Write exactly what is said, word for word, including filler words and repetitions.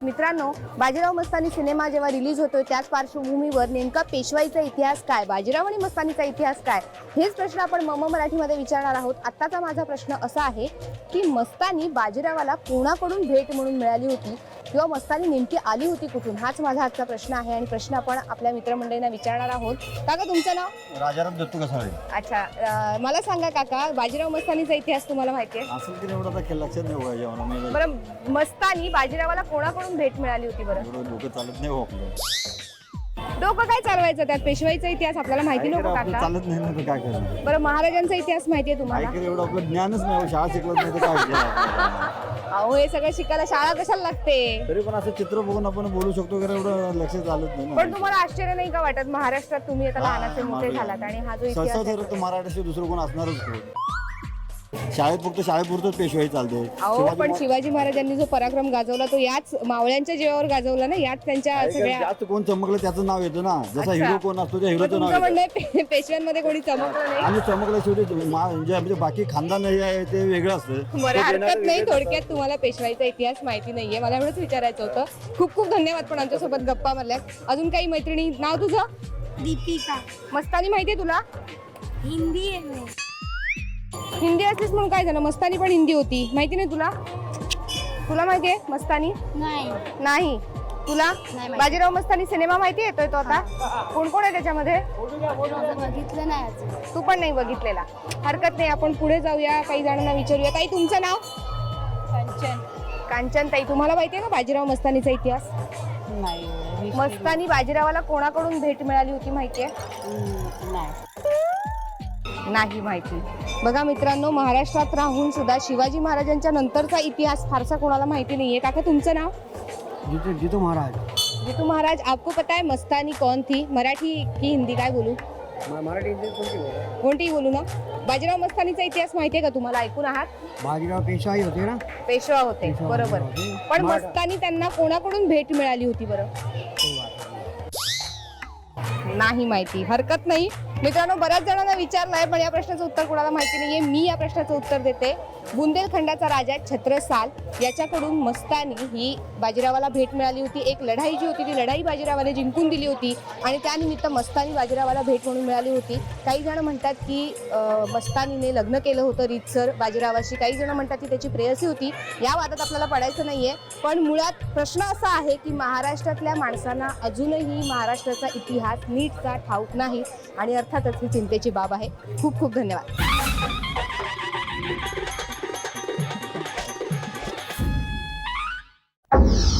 मित्रांनो, बाजीराव मस्तानी सिनेमा जेव्हा रिलीज होतोय त्याच पार्श्वभूमीवर नेमका पेशवाईचा इतिहास काय, बाजीराव आणि मस्तानीचा इतिहास काय, हेच प्रश्न आपण मम मराठीमध्ये विचारणार आहोत. आत्ताचा माझा प्रश्न असा आहे की मस्तानी बाजीरावाला कोणाकडून भेट म्हणून मिळाली होती किंवा मस्तानी नेमकी आली होती कुठून, हाच माझा आजचा प्रश्न आहे. आणि प्रश्न आपण आपल्या मित्रमंडळींना विचारणार आहोत. काका, तुमचं नाव? राजाराम दत्तू कसाळे. अच्छा, अं, मला सांगा काका, बाजीराव मस्तानीचा इतिहास तुम्हाला माहिती आहे? असेल की एवढं आता लक्षात नाही बघा जेवण. बरं, मस्तानी बाजीरावाला कोणाकडून भेट मिळाली होती? बरं, एवढं डोकं चालत नाही हो आपलं. डोकं काय चालवायचं, त्यात पेशवाईचा इतिहास आपल्याला माहिती नको आपलं काका? चालत नाही ना तर काय करणार. बरं, महाराजांचा इतिहास माहिती आहे तुम्हाला? ऐकलं एवढं आपलं ज्ञानच नाही, शाळा शिकवत नाही तर काय केलं. अहो, हे सगळं शिकायला शाळा कशाला लागते? तरी पण असं चित्र बघून आपण बोलू शकतो का, एवढं लक्ष चालत नाही. पण तुम्हाला आश्चर्य नाही का वाटत, महाराष्ट्रात तुम्ही आता लहानाचे मोठे झालात आणि हा जो इतिहास आहे- सहसा मराठी दुसरं कोण असणारच कोण. शाळेत फक्त शाळेपुरतच पेशवाई चालते. अहो, पण शिवाजी महाराजांनी जो पराक्रम गाजवला तो याच मावळ्यांच्या जीवावर गाजवला ना, याच त्यांच्या सगळ्या. जास्त कोण चमकलं त्याचं नाव येतं ना, जसा हिरो कोण असतो त्या हिरोचं नाव तुमचं येतं. म्हणणं आहे पेशव्यांमध्ये कोणी चमकलं नाही? आणि चमकलं शेवटी मा- म्हणजे म्हणजे बाकी खानदान हे आहे ते वेगळं असतं. बरं, हरकत नाही. थोडक्यात तुम्हाला पेशवाईचा इतिहास माहिती नाहीये, मला एवढंच विचारायचं होतं. खूप खूप धन्यवाद पण आमच्यासोबत गप्पा मारल्यात. अजून काही मैत्रिणी? नाव तुझं? दीपिका. मस्तानी माहितीये तुला? हिंदी आहे मी. हिंदी असलीस म्हणून काय झालं, मस्तानी पण हिंदी होती. माहिती नाही तुला? तुला माहितीये मस्तानी? नाही. नाही. तुला? नाही माहिती. बाजीराव मस्तानी सिनेमा माहिती येतोय तो आता? कोण कोण आहे त्याच्यामध्ये? माझं बघितलं नाही अजून. तू पण नाही बघितलेला. हरकत नाही, आपण पुढे जाऊया, काही जणांना विचारूया. ताई, तुमचं नाव? कंचन. कांचन ताई, तुम्हाला माहितीये का बाजीराव मस्तानीचा इतिहास? नाही. मस्तानी बाजीरावाला कोणाकडून भेट मिळाली होती माहितीये? नाही. नाही माहिती. बघा मित्रांनो, महाराष्ट्रात राहून सुद्धा शिवाजी महाराजांच्या नंतरचा इतिहास फारसा कोणाला माहिती नाहीये. काका, तुमचं नाव? जितू जितू महाराज. जितू महाराज. आपको पता है मस्तानी कौन थी? मराठी की हिंदी, काय बोलू? मराठी कोणतीही बोलू ना. बाजीराव मस्तानीचा इतिहास माहितीये का तुम्हाला? ऐकून आहात? बाजीराव पेशवाई होते ना. पेशवा होते, बरोबर. पण मस्तानी त्यांना कोणाकडून भेट मिळाली होती बरं? नाही माहिती. हरकत नाही मित्रांनो, बऱ्याच जणांना विचारलंय पण या प्रश्नाचं उत्तर कोणाला माहिती नाहीये. मी या प्रश्नाचं उत्तर देते. बुंदेलखंडाचा राजा छत्रसाल याच्याकडून मस्तानी ही बाजीरावाला भेट मिळाली होती. एक लढाई जी होती ती लढाई बाजीरावाने जिंकून दिली होती आणि त्यानिमित्त मस्तानी बाजीरावाला भेट म्हणून मिळाली होती. काही जण म्हणतात की अं, मस्तानीने लग्न केलं होतं रीतसर बाजीरावाशी. काही जण म्हणतात की त्याची प्रेयसी होती. या वादात आपल्याला पडायचं नाहीये. पण मुळात प्रश्न असा आहे की महाराष्ट्रातल्या माणसांना अजूनही महाराष्ट्राचा इतिहास नीटचा ठाऊक नाही आणि अर्थातच ही चिंतेची बाब आहे. खूप खूप धन्यवाद. you